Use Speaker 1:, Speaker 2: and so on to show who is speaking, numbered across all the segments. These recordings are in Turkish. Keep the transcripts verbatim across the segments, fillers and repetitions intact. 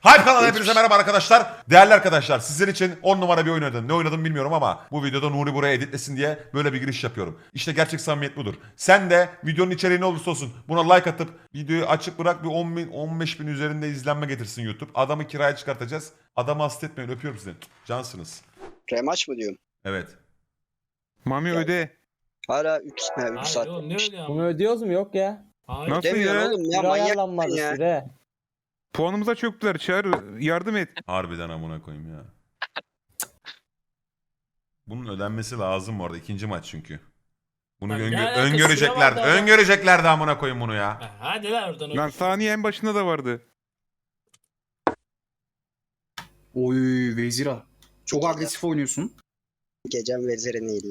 Speaker 1: Hype kanalına hepinize merhaba arkadaşlar. Değerli arkadaşlar, sizler için on numara bir oyun oynadım. Ne oynadım bilmiyorum ama bu videoda Nuri buraya editlesin diye böyle bir giriş yapıyorum. İşte gerçek samimiyet budur. Sen de videonun içeriği ne olursa olsun buna like atıp videoyu açık bırak, bir on bin on beş bin üzerinde izlenme getirsin YouTube. Adamı kiraya çıkartacağız. Adamı hasta etmeyin, öpüyorum sizi. Cansınız.
Speaker 2: Remaç mı diyorum?
Speaker 1: Evet.
Speaker 3: Mami
Speaker 2: Gel.
Speaker 3: öde.
Speaker 2: Hala üç
Speaker 4: Hayır
Speaker 2: saat.
Speaker 4: oğlum ne öyle
Speaker 5: Bunu
Speaker 4: ama?
Speaker 5: ödüyoruz mu? Yok ya.
Speaker 4: Hayır.
Speaker 3: Nasıl
Speaker 2: Demiyorsun
Speaker 3: ya?
Speaker 2: oğlum ya,
Speaker 5: Süre
Speaker 2: manyak
Speaker 5: ayarlanmadı
Speaker 2: mısın ya?
Speaker 5: süre.
Speaker 3: Puanımıza çöktüler. Çağır, yardım et.
Speaker 1: Harbiden amına koyayım ya. Bunun ödenmesi lazım bu arada. İkinci maç çünkü. Bunu
Speaker 4: Lan ne
Speaker 1: öngö-
Speaker 4: alakası
Speaker 1: öngöreceklerdi.
Speaker 4: var da adam?
Speaker 1: Öngöreceklerdi amına koyayım bunu ya.
Speaker 4: Ha, hadi lan oradan.
Speaker 3: Lan saniye en başında da vardı.
Speaker 6: Oy Vezira. Çok agresif oynuyorsun.
Speaker 2: Gecem vezire neydi?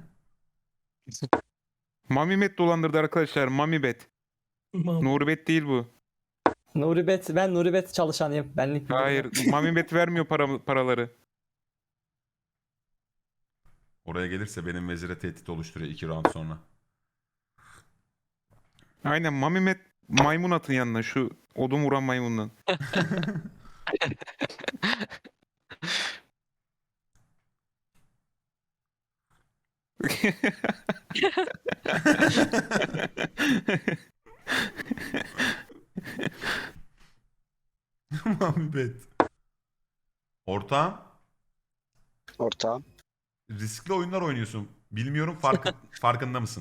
Speaker 3: Mami Bet dolandırdı arkadaşlar. Mami Bet. Nuri Bet değil bu.
Speaker 5: Nuri Bet, ben Nuri Bet çalışanıyım. Benlik bir
Speaker 3: Hayır. Mami Bet vermiyor para, paraları.
Speaker 1: Oraya gelirse benim vezire tehdit oluşturuyor iki round sonra.
Speaker 3: Aynen Mami Bet maymun atın yanına. Şu odun vuran maymundan.
Speaker 1: Muhabbet. Ortağım,
Speaker 2: Ortağım.
Speaker 1: riskli oyunlar oynuyorsun. Bilmiyorum, farkı, farkında mısın?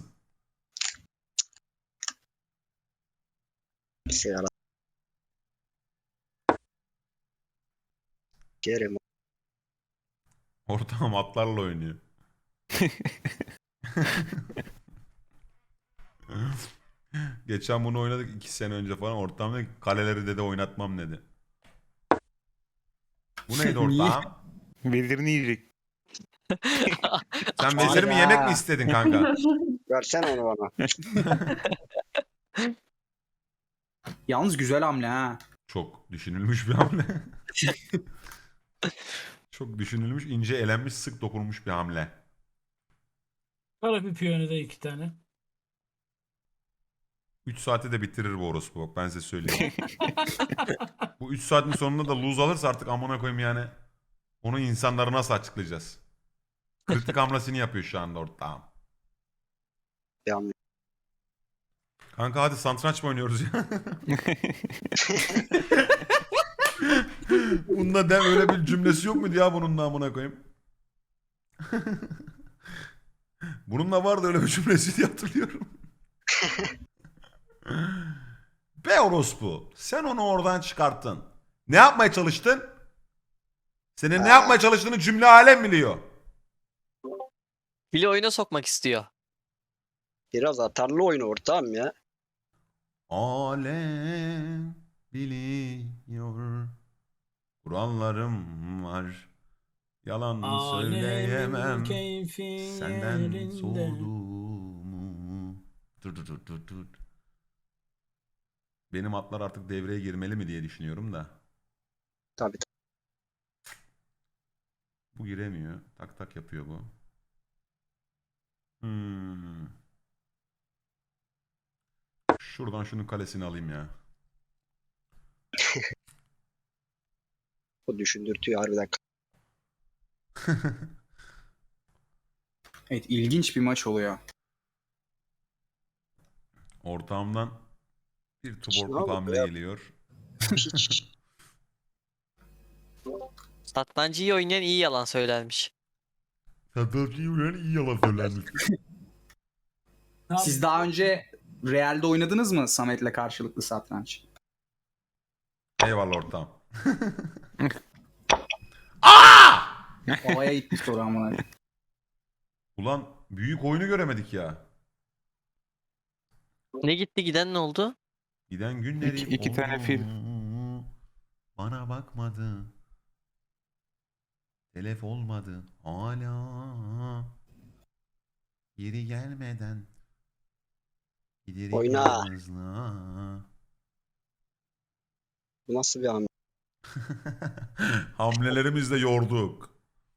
Speaker 2: Sigara. Gerim.
Speaker 1: Ortağım atlarla oynuyor. Geçen bunu oynadık iki sene önce falan. Ortağım dedi ki, kaleleri dedi oynatmam dedi. Bu neydi
Speaker 6: Niye?
Speaker 1: ortağım?
Speaker 3: Vezirini yiyecek.
Speaker 1: Sen vezir mi
Speaker 5: Hayda.
Speaker 1: yemek mi istedin kanka?
Speaker 2: Versene onu bana.
Speaker 6: Yalnız güzel hamle ha.
Speaker 1: Çok düşünülmüş bir hamle. Çok düşünülmüş, ince elenmiş, sık dokunmuş bir hamle.
Speaker 4: Para bir piyonu da iki tane.
Speaker 1: üç saate de bitirir bu orospu bak, ben size söyleyeyim. Bu üç saatin sonunda da lose alırsa artık amına koyayım yani. Onu insanlara nasıl açıklayacağız? Kritik hamlesini yapıyor şu anda ortağım.
Speaker 2: Yanlış.
Speaker 1: Kanka hadi satranç mı oynuyoruz ya? Bunda dem öyle bir cümlesi yok muydu ya bunun da amına koyayım? Bununla vardı öyle bir cümlesi diye hatırlıyorum. Be orospu, sen onu oradan çıkarttın. Ne yapmaya çalıştın? Senin ne yapmaya çalıştığını cümle alem biliyor.
Speaker 7: Bile oyuna sokmak istiyor.
Speaker 2: Biraz atarlı oyun ortağım ya.
Speaker 1: Alem biliyor. Kurallarım var. Yalan söyleyemem.
Speaker 4: Alemin keyfi
Speaker 1: Senden
Speaker 4: yerinde.
Speaker 1: soğuduğumu. Dur dur dur dur dur. Benim atlar artık devreye girmeli mi diye düşünüyorum da.
Speaker 2: Tabii.
Speaker 1: Bu giremiyor. Tak tak yapıyor bu. Hmm. Şuradan şunun kalesini alayım ya.
Speaker 2: O düşündürtüyor harbiden.
Speaker 6: Evet, ilginç bir maç oluyor.
Speaker 1: Ortağımdan bir
Speaker 2: Hiç ne
Speaker 1: tuborkluk
Speaker 2: oldu
Speaker 1: hamle
Speaker 2: ya?
Speaker 1: geliyor.
Speaker 2: Hiç.
Speaker 7: Satrancı iyi oynayan iyi yalan söylermiş.
Speaker 1: Satıcıyı uyan iyi yalan söylenmiş.
Speaker 4: Ne
Speaker 6: Siz daha önce Real'de oynadınız mı Samet'le karşılıklı satranç?
Speaker 1: Eyvallah ortağım.
Speaker 6: Havaya gitti soru amına.
Speaker 1: Ulan büyük oyunu göremedik ya.
Speaker 7: Ne gitti giden ne oldu?
Speaker 1: Giden günlerim
Speaker 3: İki- iki tane fil.
Speaker 1: oldu. Bana bakmadı. Telef olmadı. Hala. Yeri gelmeden. Giderim
Speaker 2: Oyna.
Speaker 1: yalnızlığa.
Speaker 2: Bu nasıl bir hamle?
Speaker 1: Hamlelerimizle yorduk.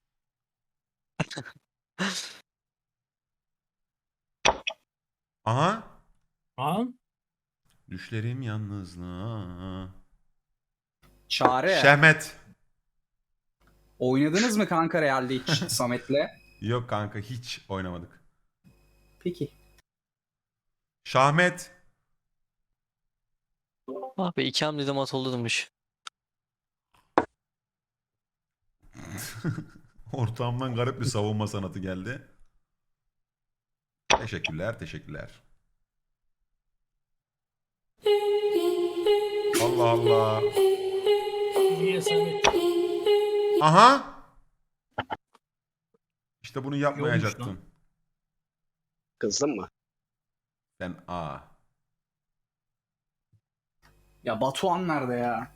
Speaker 1: Aha.
Speaker 4: Ha?
Speaker 1: Düşlerim yalnızlığa.
Speaker 6: Çağrı.
Speaker 1: Şehmet.
Speaker 6: Oynadınız mı kanka Real'de hiç Samet'le?
Speaker 1: Yok kanka hiç oynamadık.
Speaker 6: Peki.
Speaker 1: Şahmet.
Speaker 7: Ah be iki hamlede mat olurmuş.
Speaker 1: Ortamdan garip bir savunma sanatı geldi. Teşekkürler, teşekkürler. Allah Allah.
Speaker 4: Niye Samet?
Speaker 1: Aha. İşte bunu
Speaker 4: Yolmuş
Speaker 1: yapmayacaktın.
Speaker 4: lan.
Speaker 2: Kızdın mı?
Speaker 1: Sen A.
Speaker 6: Ya Batuhan nerede ya?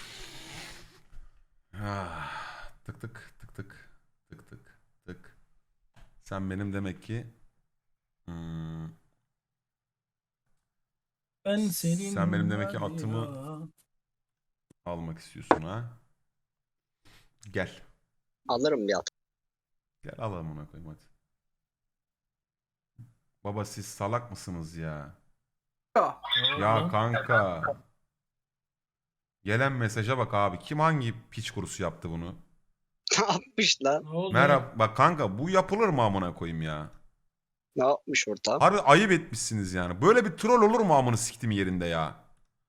Speaker 1: Ah, tık tık tık tık tık tık tık. Sen benim demek ki hmm,
Speaker 4: Ben senin
Speaker 1: Sen benim demek ki
Speaker 4: var
Speaker 1: atımı-
Speaker 4: ya.
Speaker 1: almak istiyorsun ha. Gel.
Speaker 2: Alırım bir at.
Speaker 1: Gel alalım ona koyayım hadi. Baba siz salak mısınız ya?
Speaker 6: Ya,
Speaker 1: Ya
Speaker 4: Lan.
Speaker 1: kanka. Gelen mesaja bak abi. Kim hangi piç kurusu yaptı bunu?
Speaker 2: Ne yapmış lan?
Speaker 4: Ne oldu?
Speaker 1: Merhaba. Bak kanka bu yapılır mı amına koyayım ya?
Speaker 2: Ne yapmış ortam?
Speaker 1: Harbi ayıp etmişsiniz yani. Böyle bir troll olur mu amını siktim yerinde ya?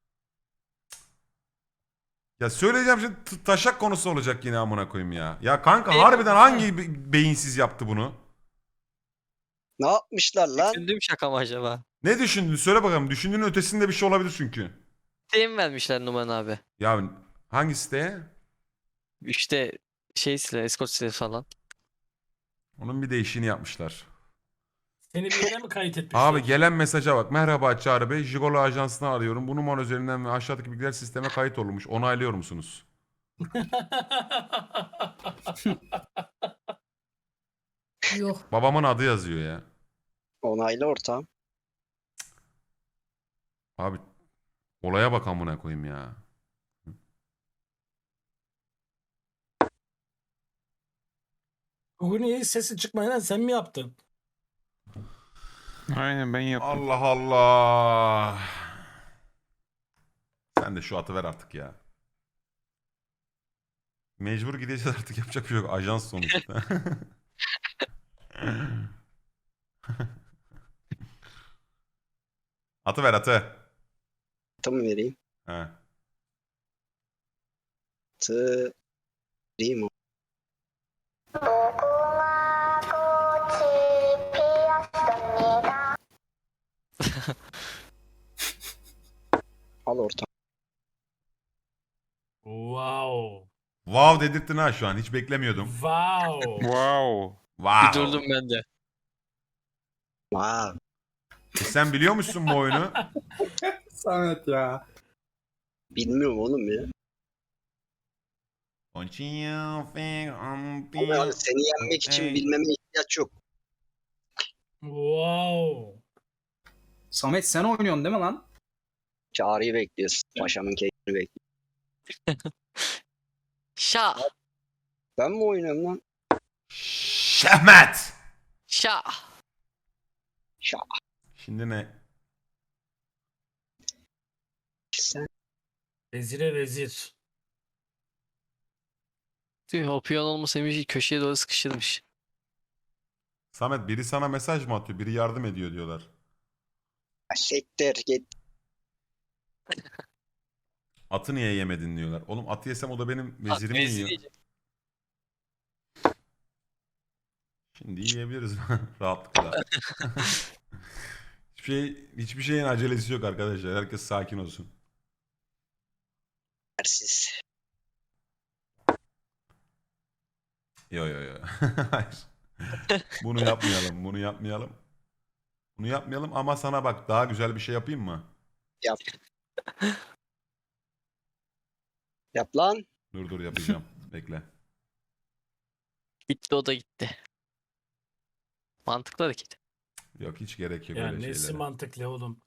Speaker 1: Ya söyleyeceğim şimdi t- taşak konusu olacak yine amına koyayım ya. Ya kanka
Speaker 7: Eyvallah.
Speaker 1: harbiden hangi be- beyinsiz yaptı bunu?
Speaker 2: Ne yapmışlar lan?
Speaker 7: Düşündüğüm şaka mı acaba?
Speaker 1: Ne düşündün? Söyle bakalım. Düşündüğünün ötesinde bir şey olabilir çünkü.
Speaker 7: Siteye mi vermişler numaranı abi?
Speaker 1: Ya hangi siteye?
Speaker 7: İşte şey sile, escort sile falan.
Speaker 1: Onun bir değişini yapmışlar.
Speaker 4: Seni bir yere mi kayıt etmişler?
Speaker 1: Abi gelen mesaja bak. Merhaba Çağrı Bey. Jigolo Ajansı'nı arıyorum. Bu numara üzerinden ve aşağıdaki bilgiler sisteme kayıt olmuş. Onaylıyor musunuz?
Speaker 4: Yok.
Speaker 1: Babamın adı yazıyor ya.
Speaker 2: Onaylı ortam.
Speaker 1: Abi olaya bak amına koyayım ya.
Speaker 4: Bugün iyi sesi çıkmayan sen mi yaptın?
Speaker 3: Aynen ben yaptım.
Speaker 1: Allah Allah. Sen de şu atı ver artık ya. Mecbur gideceğiz artık yapacak bir şey yok. Ajans sonuçta. Atı ver atı.
Speaker 2: Atı mı vereyim?
Speaker 1: He.
Speaker 2: Atı vereyim o. Al ortam.
Speaker 4: Wow.
Speaker 1: Wow dedirttin ha şu an. Hiç beklemiyordum.
Speaker 4: Wow.
Speaker 3: Wow.
Speaker 1: Wow.
Speaker 7: Bir durdum ben de.
Speaker 2: Wow.
Speaker 1: E sen biliyor musun bu oyunu?
Speaker 6: Samet ya.
Speaker 2: Bilmiyorum oğlum ya. Ama abi seni yenmek için
Speaker 1: Hey.
Speaker 2: bilmeme ihtiyaç yok.
Speaker 4: Wow.
Speaker 6: Samet sen oynuyorsun değil mi lan?
Speaker 2: Çağrı'yı bekliyoruz. Paşamın keyfini bekliyoruz.
Speaker 7: Şa.
Speaker 2: Ben mi oynuyorum lan?
Speaker 1: Şehmet.
Speaker 7: Şa.
Speaker 2: Şa.
Speaker 1: Şimdi ne?
Speaker 2: Sen
Speaker 4: Vezire vezir.
Speaker 7: Tüh o piyon olmasaymış köşeye doğru sıkıştırmış.
Speaker 1: Samet biri sana mesaj mı atıyor? Biri yardım ediyor diyorlar.
Speaker 2: siktir git.
Speaker 1: Atı niye yemedin diyorlar. Oğlum atı yesem o da benim vezirimi
Speaker 7: vezir
Speaker 1: yiyor.
Speaker 7: yiyecek.
Speaker 1: Şimdi yiyebiliriz rahatlıkla. Hiçbir şey, hiçbir şeyin acelesi yok arkadaşlar. Herkes sakin olsun.
Speaker 2: Dersiz.
Speaker 1: Yo yo yo. Hayır. Bunu yapmayalım. Bunu yapmayalım. Bunu yapmayalım ama sana bak daha güzel bir şey yapayım mı?
Speaker 2: Yap. Yap lan.
Speaker 1: Dur dur yapacağım. Bekle.
Speaker 7: Gitti o da gitti. Mantıklı hareket.
Speaker 1: Yok hiç gerek yok
Speaker 4: Ya
Speaker 1: öyle
Speaker 4: nesi
Speaker 1: şeylere.
Speaker 4: mantıklı oğlum?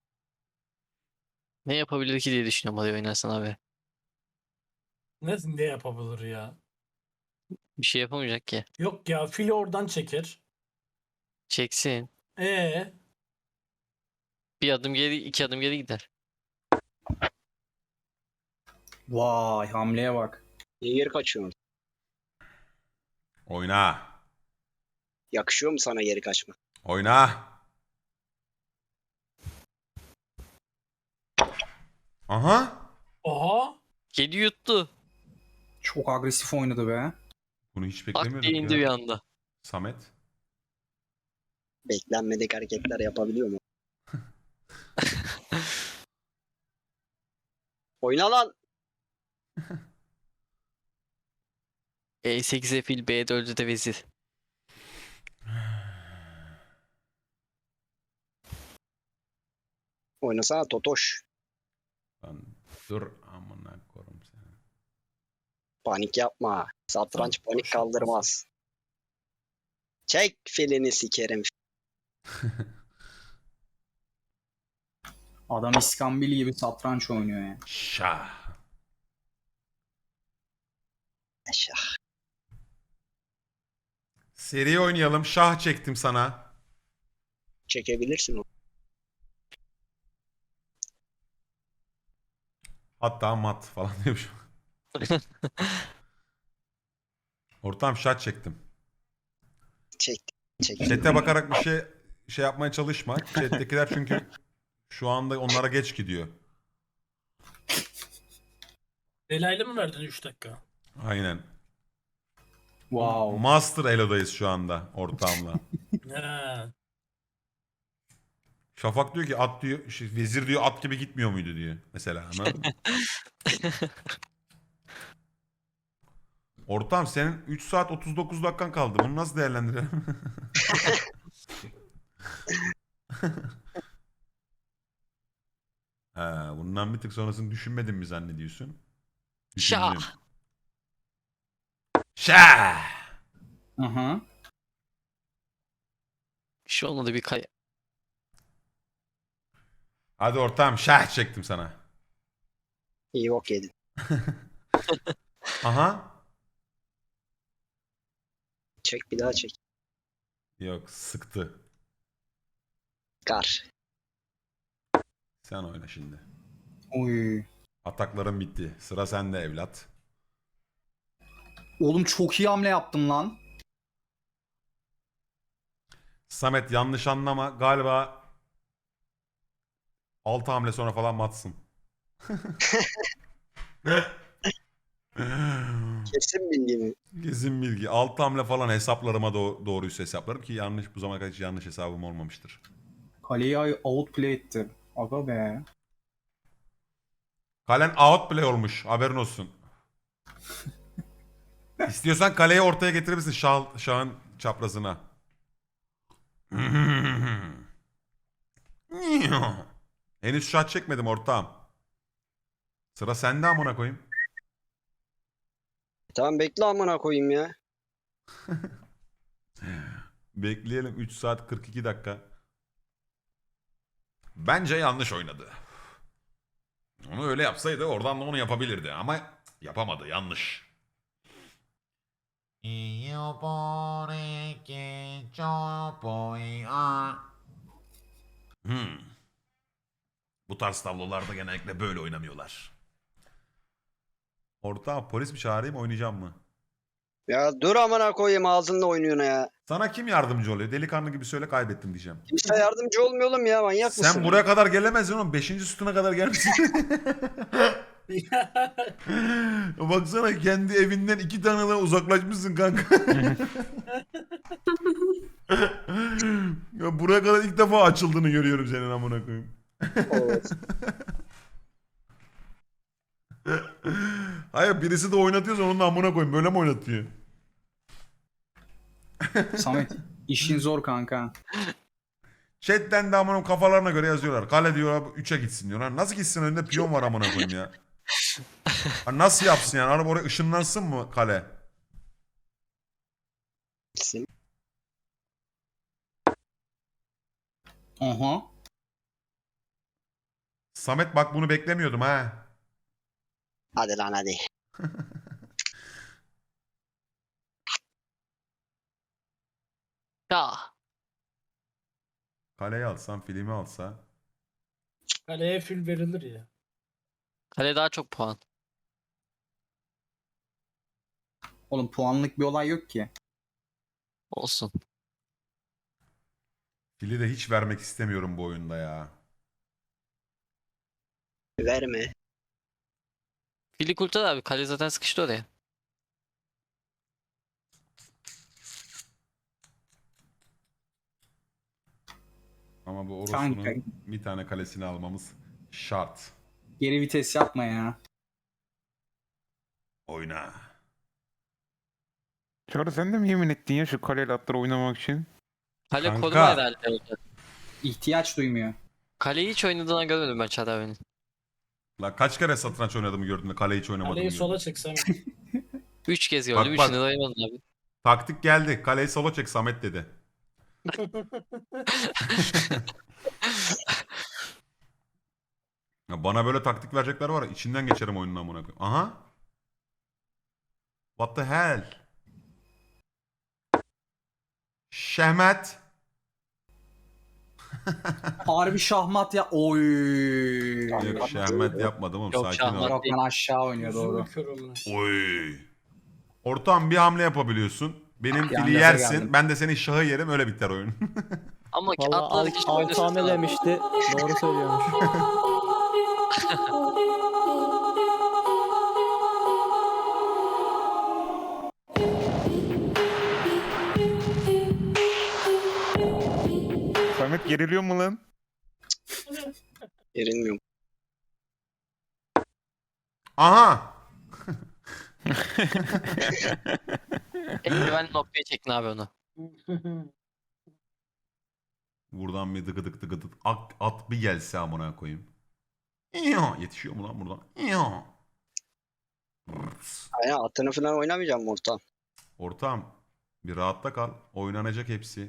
Speaker 7: Ne yapabilir ki diye düşünüyorum hadi oynarsan abi.
Speaker 4: Ne, ne yapabilir ya?
Speaker 7: Bir şey yapamayacak ki.
Speaker 4: Yok ya fili oradan çeker.
Speaker 7: Çeksin.
Speaker 4: Ee,
Speaker 7: Bir adım geri iki adım geri gider.
Speaker 6: Vay hamleye bak.
Speaker 2: Niye geri kaçıyorsun?
Speaker 1: Oyna.
Speaker 2: Yakışıyor mu sana geri kaçma?
Speaker 1: Oyna. Aha.
Speaker 4: Oha.
Speaker 7: Kedi yuttu.
Speaker 6: Çok agresif oynadı be.
Speaker 1: Bunu hiç
Speaker 7: Bak
Speaker 1: beklemiyorduk
Speaker 7: diye indi bir
Speaker 1: ya.
Speaker 7: anda.
Speaker 1: Samet.
Speaker 2: Beklenmedik hareketler yapabiliyor mu? Oyna lan.
Speaker 7: E sekize fil, B dörde de vezir.
Speaker 2: Oynasana Totoş.
Speaker 1: Lan dur amına korum seni.
Speaker 2: Panik yapma. Satranç
Speaker 4: Tamam,
Speaker 2: panik
Speaker 4: boş
Speaker 2: kaldırmaz. Çek filini sikerim.
Speaker 6: Adam İskambil gibi satranç oynuyor ya.
Speaker 1: Şah.
Speaker 2: Aşağı.
Speaker 1: Seri oynayalım. Şah çektim sana.
Speaker 2: Çekebilirsin o.
Speaker 1: Hatta mat falan diyormuşum. Ortam şah çektim.
Speaker 2: Çek. Çek.
Speaker 1: Chat'e bakarak bir şey şey yapmaya çalışma. Chat'tekiler çünkü şu anda onlara geç gidiyor.
Speaker 4: Delaylı mı verdin üç dakika?
Speaker 1: Aynen.
Speaker 6: Wow.
Speaker 1: Master Elo'dayız şu anda ortağımla.
Speaker 4: He.
Speaker 1: Şafak diyor ki at diyor, şey, vezir diyor at gibi gitmiyor muydu diyor mesela. Anladın mı? Ortağım senin üç saat otuz dokuz dakikan kaldı. Bunu nasıl değerlendirelim? Ha, bundan bir tık sonrasını düşünmedin mi zannediyorsun?
Speaker 7: Şah.
Speaker 1: Düşündüm. Şah.
Speaker 6: Aha.
Speaker 7: Bir şey olmadı bir kay.
Speaker 1: Hadi ortağım şah çektim sana.
Speaker 2: İyi bok yedin.
Speaker 1: Aha.
Speaker 2: Çek bir daha çek.
Speaker 1: Yok sıktı.
Speaker 2: Kar.
Speaker 1: Sen oyna şimdi.
Speaker 6: Oy.
Speaker 1: Atakların bitti. Sıra sende evlat.
Speaker 6: Oğlum çok iyi hamle yaptın lan.
Speaker 1: Samet yanlış anlama. Galiba altı hamle sonra falan matsın.
Speaker 2: Kesin bilgi mi?
Speaker 1: Kesin bilgi. altı hamle falan hesaplarıma do- doğruysa hesaplarım ki yanlış bu zamana kadar hiç yanlış hesabım olmamıştır.
Speaker 6: Kaleyi ay- outplay etti. Aga be.
Speaker 1: Kalen outplay olmuş. Haberin olsun. İstiyorsan kaleyi ortaya getirebilirsin şah, şahın çaprazına. Henüz şah çekmedim ortağım. Sıra sende amına koyayım.
Speaker 2: Tamam bekle amına koyayım ya.
Speaker 1: Bekleyelim üç saat kırk iki dakika. Bence yanlış oynadı. Onu öyle yapsaydı oradan da onu yapabilirdi ama yapamadı yanlış. Hmm. Bu tarz tablolarda genellikle böyle oynamıyorlar. Orta polis mi çağırayım oynayacağım mı?
Speaker 2: Ya dur amına koyayım ağzınla oynuyorsun ya.
Speaker 1: Sana kim yardımcı oluyor? Delikanlı gibi söyle kaybettim diyeceğim.
Speaker 2: Kimse yardımcı olmuyor oğlum ya manyak
Speaker 1: Sen
Speaker 2: mısın?
Speaker 1: buraya kadar gelemezdin oğlum. Beşinci sütuna kadar gelmişsin. Baksana kendi evinden iki tane daha uzaklaşmışsın kanka. Ya buraya kadar ilk defa açıldığını görüyorum senin amına koyayım.
Speaker 2: Evet.
Speaker 1: Hayır birisi de oynatıyorsa onun da amına koyayım. Böyle mi oynatıyor?
Speaker 6: Samet işin zor kanka.
Speaker 1: Chat'ten de amına kafalarına göre yazıyorlar. Kale diyorlar üçe gitsin diyorlar. Nasıl gitsin önünde piyon var amına koyayım ya. Ha, nasıl yapsın yani? Araba oraya ışınlansın mı kale?
Speaker 2: Gitsin.
Speaker 6: Aha.
Speaker 1: Samet bak bunu beklemiyordum ha.
Speaker 2: Hadi lan hadi.
Speaker 7: Şah.
Speaker 1: Kaleyi alsam filmi alsa.
Speaker 4: Kaleye fül verilir ya.
Speaker 7: Kale daha çok puan.
Speaker 6: Oğlum puanlık bir olay yok ki.
Speaker 7: Olsun.
Speaker 1: Fili de hiç vermek istemiyorum bu oyunda ya.
Speaker 2: Verme.
Speaker 7: Fili kurtar abi. Kale zaten sıkıştı oraya.
Speaker 1: Ama bu
Speaker 6: Kanka.
Speaker 1: Orospu'nun bir tane kalesini almamız şart.
Speaker 6: Geri vites yapma ya.
Speaker 1: Oyna.
Speaker 3: Çağrı sen de mi yemin ettin ya şu kaleyle atları oynamak için?
Speaker 7: Kale
Speaker 1: Kanka.
Speaker 7: koruma herhalde orada.
Speaker 6: İhtiyaç duymuyor.
Speaker 7: Kaleyi hiç oynadığını görmedim ben Çağrı abinin.
Speaker 1: La kaç kere satranç oynadığımı gördün de kale hiç oynamadım.
Speaker 4: Kaleyi sola çeksem.
Speaker 7: Üç kez
Speaker 1: Bak,
Speaker 7: gördüm.
Speaker 1: bak.
Speaker 7: Üçünü de oynamadın abi.
Speaker 1: Taktik geldi. Kaleyi sola çek Samet dedi. Ya bana böyle taktik verecekler var ya içinden geçerim oyunun amına koyayım. Aha. What the hell? Şehmet.
Speaker 6: Harbi şahmat ya. Oy.
Speaker 1: Yok şehmet yapmadım oğlum
Speaker 7: Yok,
Speaker 1: sakin
Speaker 7: şahmat.
Speaker 1: ol.
Speaker 6: Yok lan aşağı oynuyor doğru.
Speaker 4: Gözümü kör olun.
Speaker 1: Oy. Ortam bir hamle yapabiliyorsun. Benim
Speaker 6: Bir
Speaker 1: fili
Speaker 6: an gaza
Speaker 1: yersin.
Speaker 6: geldim.
Speaker 1: Ben de senin şahı yerim öyle biter oyun.
Speaker 7: Ama ki
Speaker 5: Valla
Speaker 7: atları
Speaker 5: alt,
Speaker 7: hiç
Speaker 5: alt
Speaker 7: oynasın.
Speaker 5: hamle demişti. Doğru söylüyormuş.
Speaker 3: Samet geriliyor mu lan?
Speaker 2: Erinmiyorum.
Speaker 1: Aha.
Speaker 7: Eldiven noktaya çekin abi onu.
Speaker 1: Buradan bir dıgıdık dıgıdık at, at bir gelse amına koyayım. İyo, yetişiyor mu lan buradan? İyo. Rırs.
Speaker 2: Aynen atını falan oynamayacağım ortam.
Speaker 1: Ortam bir rahatta kal. Oynanacak hepsi.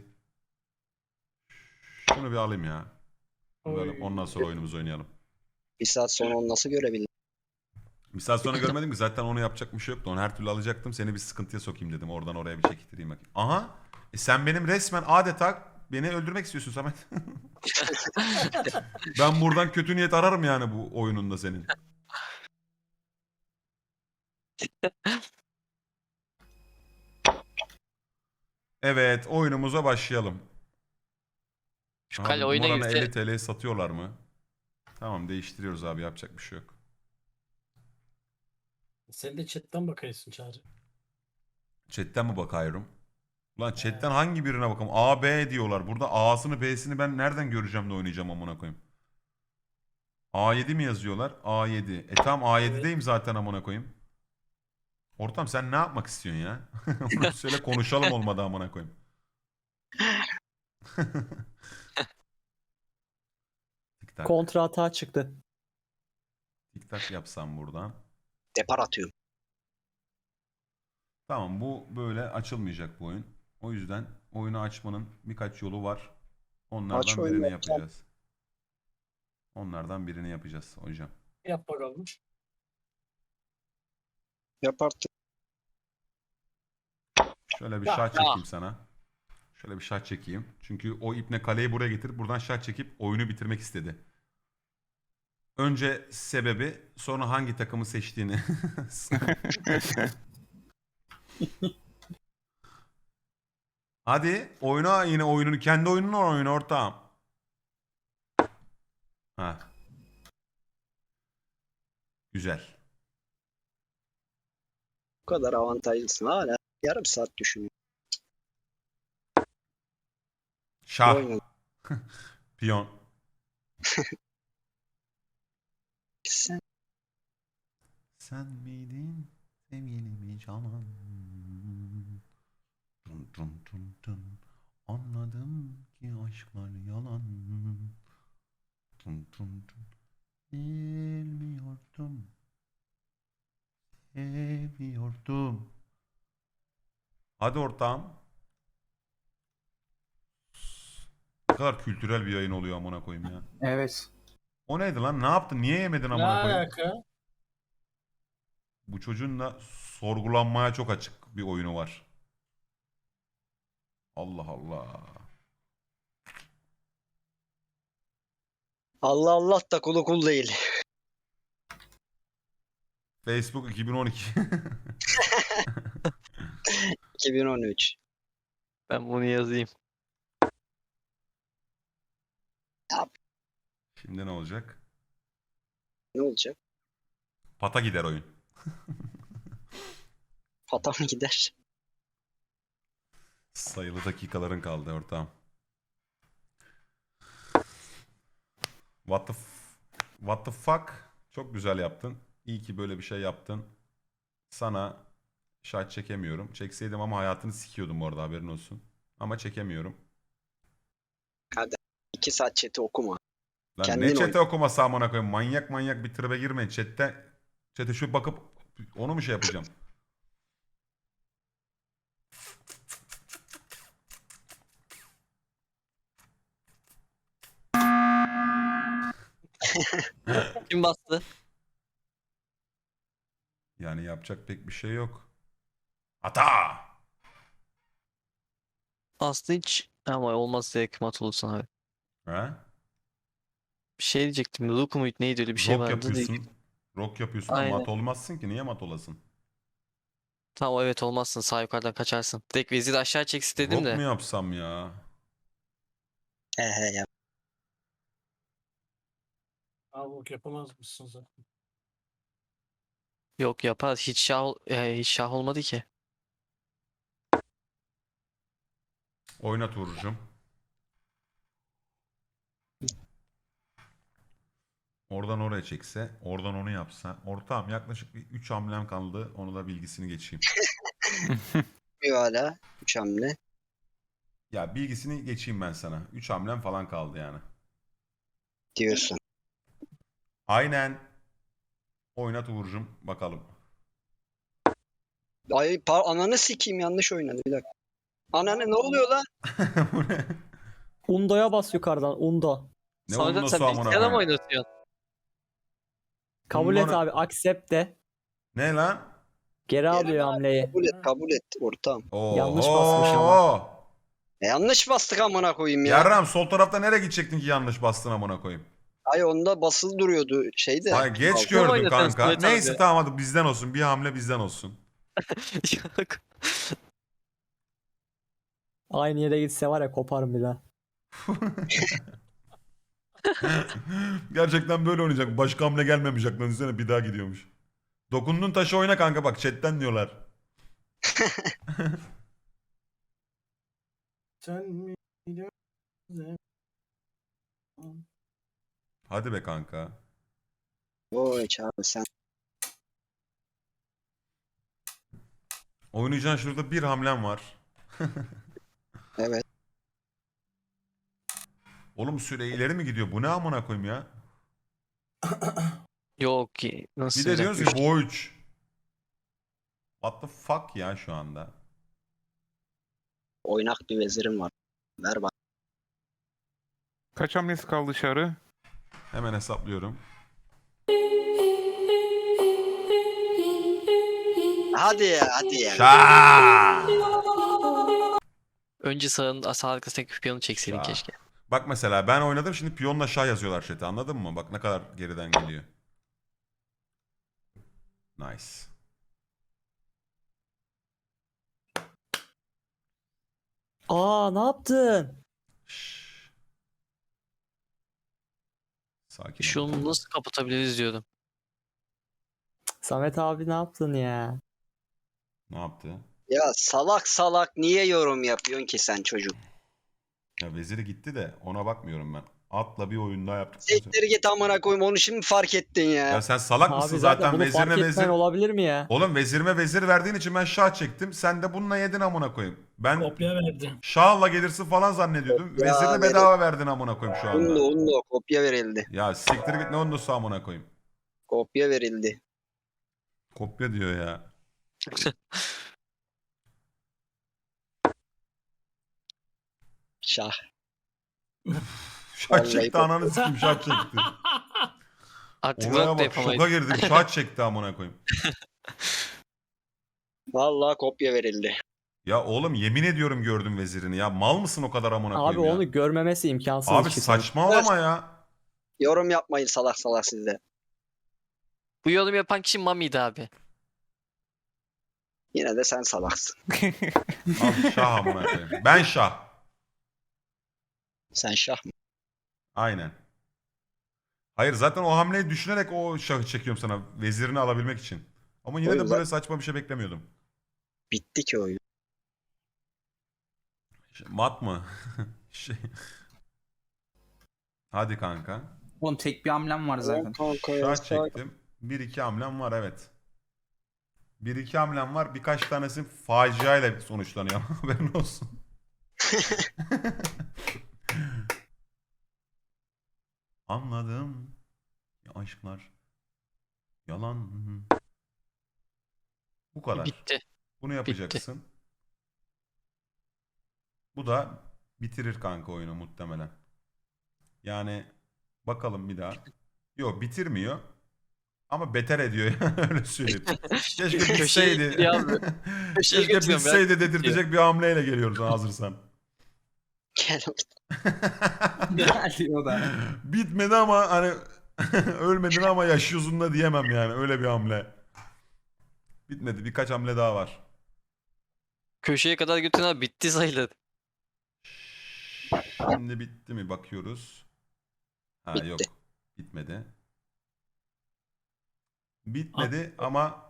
Speaker 1: Şunu bir alayım ya. Bunu bir alayım. Ondan sonra oyunumuzu oynayalım.
Speaker 2: Bir saat sonra onu nasıl görebildim?
Speaker 1: Bir saat sonra görmedim ki zaten onu yapacak bir şey yoktu. Onu her türlü alacaktım. Seni bir sıkıntıya sokayım dedim. Oradan oraya bir çektireyim bakayım. Aha. E sen benim resmen adeta beni öldürmek istiyorsun Samet. Ben buradan kötü niyet ararım yani bu oyununda senin. Evet oyunumuza başlayalım.
Speaker 7: Şu
Speaker 1: Abi,
Speaker 7: kale oyuna
Speaker 1: Moran'a
Speaker 7: girse
Speaker 1: elli T L'ye satıyorlar mı? Tamam değiştiriyoruz abi yapacak bir şey yok.
Speaker 4: Sen de chatten bakıyorsun Çağrı.
Speaker 1: Chatten mi bakıyorum? Lan chatten hangi birine bakalım? A, B diyorlar. Burada A'sını B'sini ben nereden göreceğim de oynayacağım amına koyayım. A yedi mi yazıyorlar? A yedi. E tamam A yedi'deyim zaten amına koyayım. Ortam sen ne yapmak istiyorsun ya? Onu söyle konuşalım olmadı amına koyayım. Tik tak.
Speaker 5: Kontra hata çıktı.
Speaker 1: Tik tak yapsam buradan.
Speaker 2: Depar atıyorum.
Speaker 1: Tamam bu böyle açılmayacak bu oyun. O yüzden oyunu açmanın birkaç yolu var. Onlardan
Speaker 2: Aç oyunu
Speaker 1: birini
Speaker 2: yapacağım.
Speaker 1: yapacağız. Onlardan birini yapacağız hocam.
Speaker 4: Yap bakalım.
Speaker 2: Yap artık.
Speaker 1: Şöyle bir
Speaker 4: Ya,
Speaker 1: şah
Speaker 7: ya.
Speaker 1: çekeyim sana. Şöyle bir şah çekeyim. Çünkü o ipne kaleyi buraya getirip buradan şah çekip oyunu bitirmek istedi. Önce sebebi sonra hangi takımı seçtiğini. Hadi oyna yine oyununu kendi oyununu oyna ortağım. Ha. Güzel.
Speaker 2: Bu kadar avantajlısın hala. Yarım saat düşünüyorum.
Speaker 1: Şah.
Speaker 2: Oynadım.
Speaker 1: Piyon.
Speaker 2: Sen
Speaker 1: Sen miydin sevgilimi canan? Dun dun dun dun. Anladım ki aşklar yalan. Dun dun dun. Bilmiyordum. Seviyordum. Hadi ortağım. Ne kadar kültürel bir yayın oluyor amına koyayım ya.
Speaker 6: Evet.
Speaker 1: O neydi lan? Ne yaptın? Niye yemedin
Speaker 4: Ne
Speaker 1: amına koyayım?
Speaker 4: alaka?
Speaker 1: Bu çocuğun da sorgulanmaya çok açık bir oyunu var. Allah Allah.
Speaker 2: Allah Allah da kulu kul değil.
Speaker 1: Facebook iki bin on iki.
Speaker 2: iki bin on üç.
Speaker 7: Ben bunu yazayım.
Speaker 1: Şimdi ne olacak?
Speaker 2: Ne olacak?
Speaker 1: Pata gider oyun.
Speaker 2: Pata mı gider?
Speaker 1: Sayılı dakikaların kaldı ortağım. What the f- What the fuck? Çok güzel yaptın. İyi ki böyle bir şey yaptın. Sana şahit çekemiyorum. Çekseydim ama hayatını sikiyordum bu arada, haberin olsun. Ama çekemiyorum.
Speaker 2: iki saat chat'i okuma.
Speaker 1: Lan
Speaker 2: Kendin
Speaker 1: ne
Speaker 2: oyna.
Speaker 1: chat'e okumasa amına koyayım. Manyak manyak bir tribe girmeyin. Chat'te chat'e şu bakıp onu mu şey yapacağım?
Speaker 7: Kim bastı?
Speaker 1: Yani yapacak pek bir şey yok. Hata!
Speaker 7: Aslında hiç ama olmaz direkt mat olursun abi.
Speaker 1: Ha?
Speaker 7: Bir şey diyecektim. Luke muydu neydi öyle bir şey
Speaker 1: Rock
Speaker 7: vardı.
Speaker 1: yapıyorsun. Rock yapıyorsun ama
Speaker 7: Aynen.
Speaker 1: mat olmazsın ki. Niye mat olasın?
Speaker 7: Tamam evet olmazsın. Sağ yukarıdan kaçarsın. Direkt veziri aşağı çeksin dedim
Speaker 1: Rock
Speaker 7: de.
Speaker 1: mu yapsam ya?
Speaker 2: He he ya.
Speaker 4: Abi ok yapamaz mısın zaten?
Speaker 7: Yok yapar. Hiç şah, ol- e, hiç şah olmadı ki.
Speaker 1: Oynat Uğur'cum. Oradan oraya çekse, oradan onu yapsa. Ortağım yaklaşık bir üç hamlem kaldı. Onu da bilgisini geçeyim.
Speaker 2: Bir hala. Üç hamle.
Speaker 1: Ya bilgisini geçeyim ben sana. üç hamlem falan kaldı yani.
Speaker 2: Diyorsun.
Speaker 1: Aynen. Oynat Uğur'cum. Bakalım.
Speaker 2: Ay par ananı sikeyim, yanlış oynadı bir dakika. Ananı ne oluyor lan?
Speaker 1: Bu ne?
Speaker 5: Undo'ya bas yukarıdan. Undo.
Speaker 1: Ne
Speaker 7: Sonra
Speaker 1: onun
Speaker 7: sen
Speaker 1: amına
Speaker 7: bilgisayarda mı
Speaker 1: koyayım?
Speaker 7: oynatıyorsun?
Speaker 5: Kabul et
Speaker 1: Undo ne?
Speaker 5: abi. Accept de.
Speaker 1: Ne lan?
Speaker 5: Geri alıyor hamleyi.
Speaker 2: Kabul et, kabul et ortağım.
Speaker 5: Yanlış basmış ama.
Speaker 2: E, yanlış bastık amına koyayım ya.
Speaker 1: Yarram sol tarafta nereye gidecektin ki yanlış bastın amına koyayım?
Speaker 2: Ay onda basılı duruyordu şeyde.
Speaker 1: Ay geç
Speaker 2: Altı.
Speaker 1: gördüm
Speaker 7: oynatıyorsun
Speaker 1: kanka.
Speaker 7: Samet abi?
Speaker 1: Neyse tamam hadi bizden olsun. Bir hamle bizden olsun.
Speaker 7: Yok.
Speaker 5: Aynı yere gitse var ya koparım bir daha.
Speaker 1: Gerçekten böyle oynayacak. Başka hamle gelmemiş aklına. Düşünsene bir daha gidiyormuş. Dokundun taşı oyna kanka bak chatten diyorlar.
Speaker 4: Sen mi biliyorsun?
Speaker 1: Hadi be kanka.
Speaker 2: Oy çağır sen.
Speaker 1: Oynayacağın şurada bir hamlem var.
Speaker 2: Evet.
Speaker 1: Oğlum süre ileri mi gidiyor? Bu ne amına koyayım ya?
Speaker 7: Yok ki. Nasıl
Speaker 1: Bir de diyoruz
Speaker 7: yapmış?
Speaker 1: ki bu üç. What the fuck ya şu anda?
Speaker 2: Oynak bir vezirim var. Ver bak.
Speaker 3: Kaç hamlesi kaldı dışarı?
Speaker 1: Hemen hesaplıyorum.
Speaker 2: Hadi ya, hadi ya.
Speaker 1: Şaa!
Speaker 7: Önce sağın sağ arkasındaki piyonu çekseydin
Speaker 1: Şah.
Speaker 7: keşke.
Speaker 1: Bak mesela ben oynadım şimdi piyonla şah yazıyorlar chat'e anladın mı? Bak ne kadar geriden geliyor. Nice.
Speaker 5: Aa ne yaptın?
Speaker 1: Şşş. Sakin ol.
Speaker 7: Şunu nasıl kapatabiliriz diyordum.
Speaker 5: Samet abi ne yaptın ya?
Speaker 1: Ne yaptı?
Speaker 2: Ya salak salak niye yorum yapıyorsun ki sen çocuk?
Speaker 1: Ya veziri gitti de ona bakmıyorum ben. Atla bir oyun daha yaptık.
Speaker 2: Siktir git amına koyayım, onu şimdi fark ettin ya.
Speaker 1: Ya sen salak
Speaker 5: Abi
Speaker 1: mısın
Speaker 5: zaten,
Speaker 1: zaten,
Speaker 5: bunu fark
Speaker 1: vezirine
Speaker 5: etmen
Speaker 1: vezir.
Speaker 5: olabilir mi ya?
Speaker 1: Oğlum vezirime vezir verdiğin için ben şah çektim. Sen de bununla yedin amına koyayım. Ben
Speaker 4: Kopya verdi.
Speaker 1: şahla gelirsin falan zannediyordum.
Speaker 2: Ya
Speaker 1: Vezirini
Speaker 2: verin.
Speaker 1: bedava verdin amına koyayım şu anda.
Speaker 2: Undo undo kopya verildi.
Speaker 1: Ya siktir git ne ondosu amına koyayım.
Speaker 2: Kopya verildi.
Speaker 1: Kopya diyor ya.
Speaker 2: Şah.
Speaker 1: Şah
Speaker 2: Vallahi
Speaker 1: çekti
Speaker 2: kopya.
Speaker 1: ananı sikim şah çekti.
Speaker 7: Artık
Speaker 1: Olaya
Speaker 7: rock da
Speaker 1: bak şoka
Speaker 7: yapamayız.
Speaker 1: girdim şah çekti amına koyayım.
Speaker 2: Vallahi kopya verildi.
Speaker 1: Ya oğlum yemin ediyorum gördüm vezirini ya. Mal mısın o kadar amına
Speaker 5: Abi
Speaker 1: koyayım ya?
Speaker 5: onu görmemesi imkansız.
Speaker 1: Abi
Speaker 5: işi
Speaker 1: saçmalama ya.
Speaker 2: Yorum yapmayın salak salak sizde.
Speaker 7: Bu yorum yapan kişi Mami'ydi abi.
Speaker 2: Yine de sen salaksın.
Speaker 1: Al şah amına koyayım. Ben şah.
Speaker 2: Sen şah mı?
Speaker 1: Aynen. Hayır zaten o hamleyi düşünerek o şahı çekiyorum sana. Vezirini alabilmek için. Ama yine
Speaker 2: Oyun
Speaker 1: de böyle saçma bir şey beklemiyordum.
Speaker 2: Bitti ki oyun.
Speaker 1: Şey, mat mı? şey. Hadi kanka.
Speaker 6: Oğlum tek bir hamlem var zaten.
Speaker 2: Kanka ya,
Speaker 1: Şah çektim. Bir iki hamlem var evet. Bir iki hamlem var. Birkaç tanesi faciayla sonuçlanıyor. Haberin olsun. Anladım. Ya aşklar. Yalan. Bu kadar.
Speaker 7: Bitti.
Speaker 1: Bunu yapacaksın. Bu da bitirir kanka oyunu muhtemelen. Yani bakalım bir daha. Yok bitirmiyor. Ama beter ediyor yani öyle söyleyeyim. Keşke
Speaker 7: Köşeye
Speaker 1: bitseydi.
Speaker 7: gidiyor abi. Köşeye
Speaker 1: Keşke
Speaker 7: götürüyorum ya.
Speaker 1: bitseydi dedirtecek bir hamleyle geliyoruz hazırsan.
Speaker 2: Gel.
Speaker 6: Geldi o da.
Speaker 1: Bitmedi ama hani ölmedin ama yaşıyorsun da diyemem yani öyle bir hamle. Bitmedi birkaç hamle daha var.
Speaker 7: Köşeye kadar götüren abi bitti sayılır.
Speaker 1: Şimdi bitti mi bakıyoruz. Ha
Speaker 2: Bitti.
Speaker 1: yok bitmedi. Bitmedi ama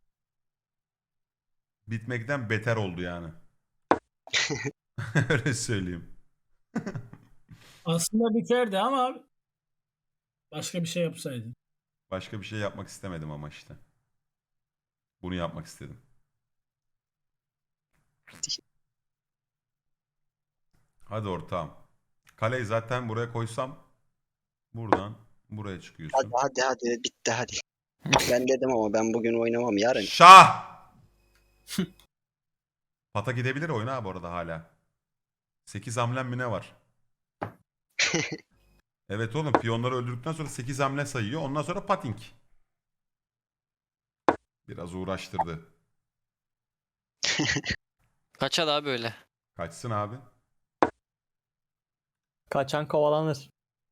Speaker 1: bitmekten beter oldu yani. Öyle söyleyeyim.
Speaker 4: Aslında biterdi ama başka bir şey yapsaydın.
Speaker 1: Başka bir şey yapmak istemedim ama işte. Bunu yapmak istedim. Hadi ortağım. Kaleyi zaten buraya koysam buradan buraya
Speaker 2: Hadi
Speaker 1: çıkıyorsun.
Speaker 2: hadi hadi bitti hadi. Ben dedim ama ben bugün oynamam yarın.
Speaker 1: Şah! Pata gidebilir oyuna ha bu arada hala. sekiz hamlem mi ne var? Evet oğlum piyonları öldürdükten sonra sekiz hamle sayıyor. Ondan sonra pating. Biraz uğraştırdı.
Speaker 7: Kaçar abi öyle.
Speaker 1: Kaçsın abi.
Speaker 5: Kaçan kovalanır.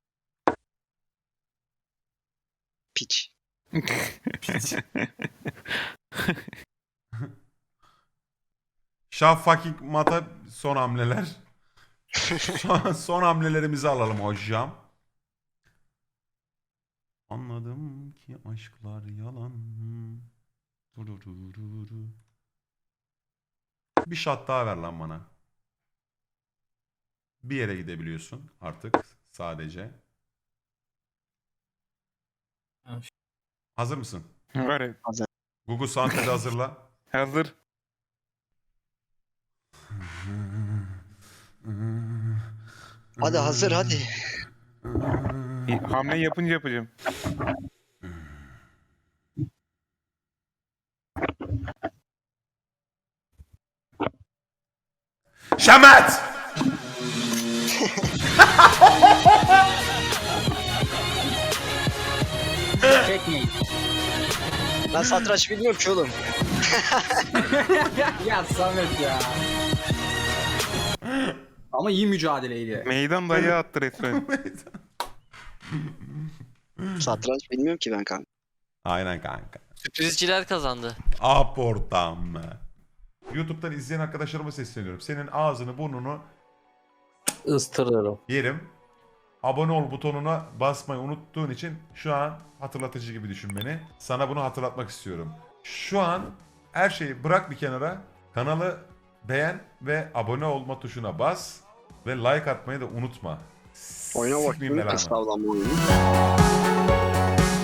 Speaker 2: Piç.
Speaker 1: Şah fucking mata son hamleler. son, son hamlelerimizi alalım hocam. Anladım ki aşklar yalan. Durururu. Bir shot daha ver lan bana. Bir yere gidebiliyorsun artık sadece.
Speaker 4: Ha,
Speaker 1: Hazır mısın?
Speaker 3: Var ya.
Speaker 1: Google Soundpad'i hazırla.
Speaker 3: Hazır.
Speaker 2: Hadi hazır hadi.
Speaker 3: İyi, Hamle yapınca yapacağım.
Speaker 1: Şamat!
Speaker 6: Çekmeyin.
Speaker 2: Ben satranç bilmiyorum ki oğlum.
Speaker 6: Ya Samet ya. Ama iyi mücadeleydi.
Speaker 3: Meydan dayağı attı resmen.
Speaker 2: Satranç bilmiyorum ki ben kanka.
Speaker 1: Aynen kanka.
Speaker 7: Sürprizciler kazandı.
Speaker 1: Aportam. YouTube'dan izleyen arkadaşlarıma sesleniyorum. Senin ağzını burnunu
Speaker 5: Istırırım.
Speaker 1: yerim. Abone ol butonuna basmayı unuttuğun için şu an hatırlatıcı gibi düşün beni. Sana bunu hatırlatmak istiyorum. Şu an her şeyi bırak bir kenara. Kanalı beğen ve abone olma tuşuna bas. Ve like atmayı da unutma.
Speaker 2: Oyuna
Speaker 1: Sikmeyeyim
Speaker 2: bakayım.
Speaker 1: belanı.
Speaker 2: Estağfurullah oyunu.